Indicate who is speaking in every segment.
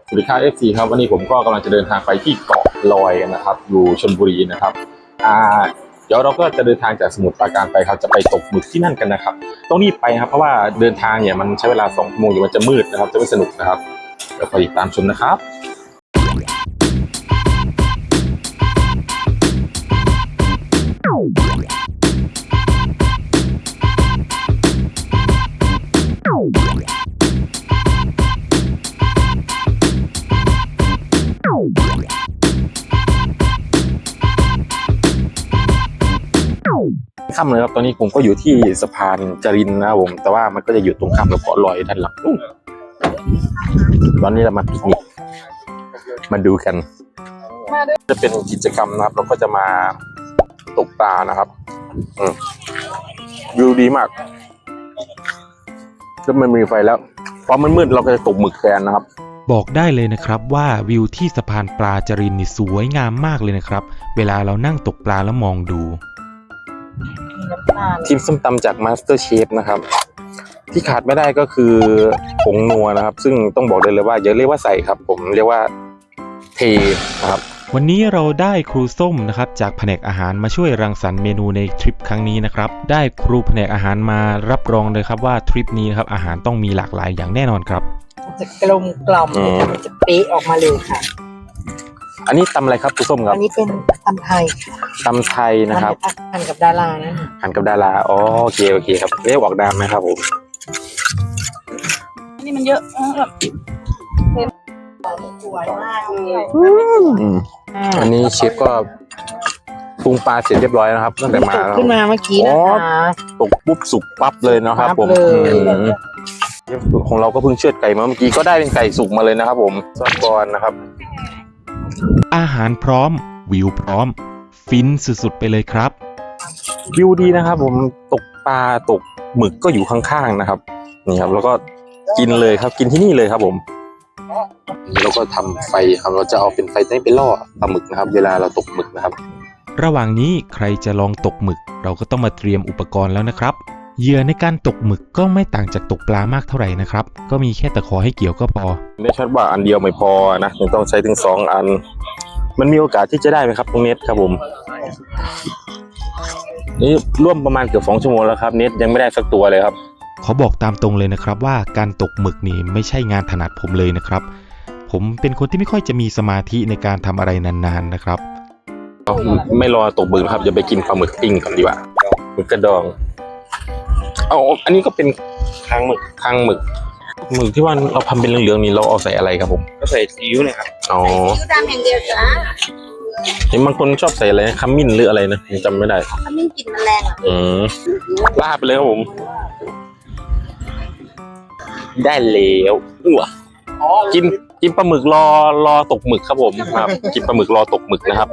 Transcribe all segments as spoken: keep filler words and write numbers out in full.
Speaker 1: สวัสดีครับ เอฟ ซี ครับวันนี้ผมก็กำลังจะเดินทางไปที่เกาะลอยกันนะครับอยู่ชลบุรีนะครับอ่าเดี๋ยวเราก็จะเดินทางจากสมุทรปราการไปครับจะไปตกหมึกที่นั่นกันนะครับต้องรีบไปครับเพราะว่าเดินทางเนี่ยมันใช้เวลาสองชั่วโมงเดี๋ยวมันจะมืดนะครับจะไม่สนุกนะครับเดี๋ยวคอยติดตามชมนะครับข้ามเลยครับตอนนี้ผมก็อยู่ที่สะพานจรินนะครับผมแต่ว่ามันก็จะอยู่ตรงข้ามกับเกาะลอยด้านหลังตอนนี้เรามาปิกนิกมาดูกันจะเป็นกิจกรรมนะครับเราก็จะมาตกปลานะครับวิวดีมากก็มันมีไฟแล้วพอมันมืดเราก็จะตกหมึกแทนนะครับ
Speaker 2: บอกได้เลยนะครับว่าวิวที่สะพานปลาจรินนี่สวยงามมากเลยนะครับเวลาเรานั่งตกปลาแล้วมองดู
Speaker 1: ทีมส้มตำจาก Master Chef นะครับที่ขาดไม่ได้ก็คือผงนัวนะครับซึ่งต้องบอกเลยเลยว่าอย่าเรียกว่าใส่ครับผมเรียกว่าเทนะครับ
Speaker 2: วันนี้เราได้ครูส้มนะครับจากแผนกอาหารมาช่วยรังสรรค์เมนูในทริปครั้งนี้นะครับได้ครูแผนกอาหารมารับรองเลยครับว่าทริปนี้นะครับอาหารต้องมีหลากหลายอย่างแน่นอนครับ
Speaker 3: จะกลมกล่อมมันจะเป๊ะออกมาเลยค่ะ
Speaker 1: อันนี้ตำอะไรครับครูส้มครับ
Speaker 3: อันนี้เป็นตำไทย
Speaker 1: ตำไทยนะครับ
Speaker 3: หั่นกับดารานะ
Speaker 1: หั่นกับดาราอ๋อโอเคโอเคครับเรียกออกดามไหมครับผม
Speaker 3: นี่มันเยอะแบบสวยมากเลย
Speaker 1: อันนี้เชฟก็ปรุงปลาเสร็จเรียบร้อยนะครับตั้งแต่มา
Speaker 3: ขึ้นมาเมื่อกี้นะคะ
Speaker 1: ตกปุ๊บสุกปั๊บเลยนะครับผมของเราก็เพิ่งเชือดไก่มาเมื่อกี้ก็ได้เป็นไก่สุกมาเลยนะครับผมซอสบอลนะครับ
Speaker 2: อาหารพร้อมวิวพร้อมฟินสุดๆไปเลยครับ
Speaker 1: วิวดีนะครับผมตกปลาตกหมึกก็อยู่ข้างๆนะครับนี่ครับแล้วก็กินเลยครับกินที่นี่เลยครับผมแล้วก็ทำไฟครับเราจะเอาเป็นไฟนี้ไปล่อปลาหมึกนะครับเวลาเราตกหมึกนะครับ
Speaker 2: ระหว่างนี้ใครจะลองตกหมึกเราก็ต้องมาเตรียมอุปกรณ์แล้วนะครับเหยื่อในการตกหมึกก็ไม่ต่างจากตกปลามากเท่าไหร่นะครับก็มีแค่ตะขอให้เกี่ยวก็พอ
Speaker 1: ไม่ชัดว่าอันเดียวไม่พอนะต้องใช้ถึงสองอันมันมีโอกาสที่จะได้ไหมครับตรงเน็ตครับผมนี่ร่วมประมาณเกือบสองชั่วโมงแล้วครับเน็ตยังไม่ได้สักตัวเลยครับ
Speaker 2: ขอบอกตามตรงเลยนะครับว่าการตกหมึกนี่ไม่ใช่งานถนัดผมเลยนะครับผมเป็นคนที่ไม่ค่อยจะมีสมาธิในการทำอะไรนานๆนะครับ
Speaker 1: ไม่รอตกหมึกครับอย่าไปกินปลาหมึกปิ้งกันดีกว่าหมึกกระดองเอาอันนี้ก็เป็นคางหมึกคางหมึกหมึกที่ว่าเราทำเป็นเหลืองๆนี่เราเอาใส่อะไรครับผม
Speaker 4: ก็ใส่ซีอิ๊วเลยครับ
Speaker 1: อ๋อ
Speaker 3: ซีอิ๊วดำอย่างเดียวจ้า
Speaker 1: เห็นบางคนชอบใส่อะไรขมิ้นหรืออะไรนะจำไม่ได้
Speaker 3: ขมิ้นกลิ่นมันแรงอ่ะ
Speaker 1: อืมลาดไปเลยครับผมได้แล้วอ้วกินกินปลาหมึกรอรอตกหมึกครับผมครับกินปลาหมึกรอตกหมึกนะครับ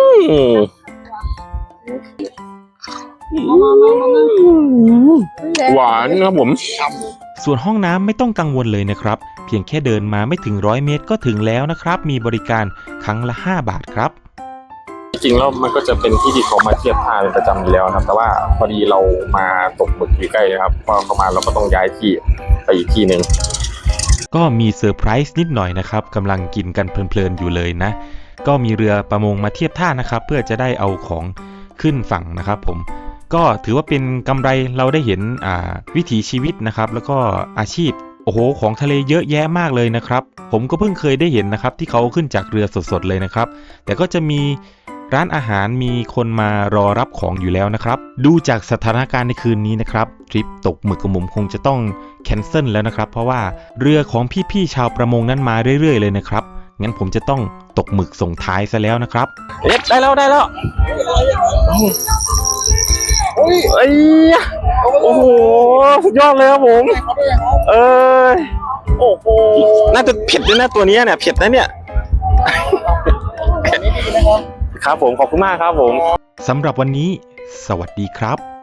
Speaker 1: หวานครับผม
Speaker 2: ส่วนห้องน้ำไม่ต้องกังวลเลยนะครับเพียงแค่เดินมาไม่ถึงร้อยเมตรก็ถึงแล้วนะครับมีบริการครั้งละห้าบาทครับ
Speaker 1: จริงๆแล้วมันก็จะเป็นที่ที่เขามาเทียบท่าเป็นประจำอยู่แล้วครับแต่ว่าพอดีเรามาตกหมึกอยู่ใกล้นะครับพอเข้ามาเราก็ต้องย้ายที่ไปอีกที่หนึ่ง
Speaker 2: ก็มีเซอร์ไพรส์นิดหน่อยนะครับกำลังกินกันเพลินๆอยู่เลยนะก็มีเรือประมงมาเทียบท่านะครับเพื่อจะได้เอาของขึ้นฝั่งนะครับผมก็ถือว่าเป็นกำไรเราได้เห็นอ่าวิถีชีวิตนะครับแล้วก็อาชีพโอ้โหของทะเลเยอะแยะมากเลยนะครับผมก็เพิ่งเคยได้เห็นนะครับที่เขาขึ้นจากเรือสดๆเลยนะครับแต่ก็จะมีร้านอาหารมีคนมารอรับของอยู่แล้วนะครับดูจากสถานการณ์ในคืนนี้นะครับทริปตกหมึกกับผมคงจะต้องแคนเซิลแล้วนะครับเพราะว่าเรือของพี่ๆชาวประมงนั้นมาเรื่อยๆเลยนะครับงั้นผมจะต้องตกหมึกส่งท้ายซะแล้วนะครับ
Speaker 1: เอ๊ะได้แล้วได้แล้วเอ้ยโอ้โหสุดยอดเลยครับผมเออโอ้โหน่าจะเผ็ดด้วยนะตัวนี้เนี่ยเผ็ดนะเนี่ยครับผมขอบคุณมากครับผม
Speaker 2: สำหรับวันนี้สวัสดีครับ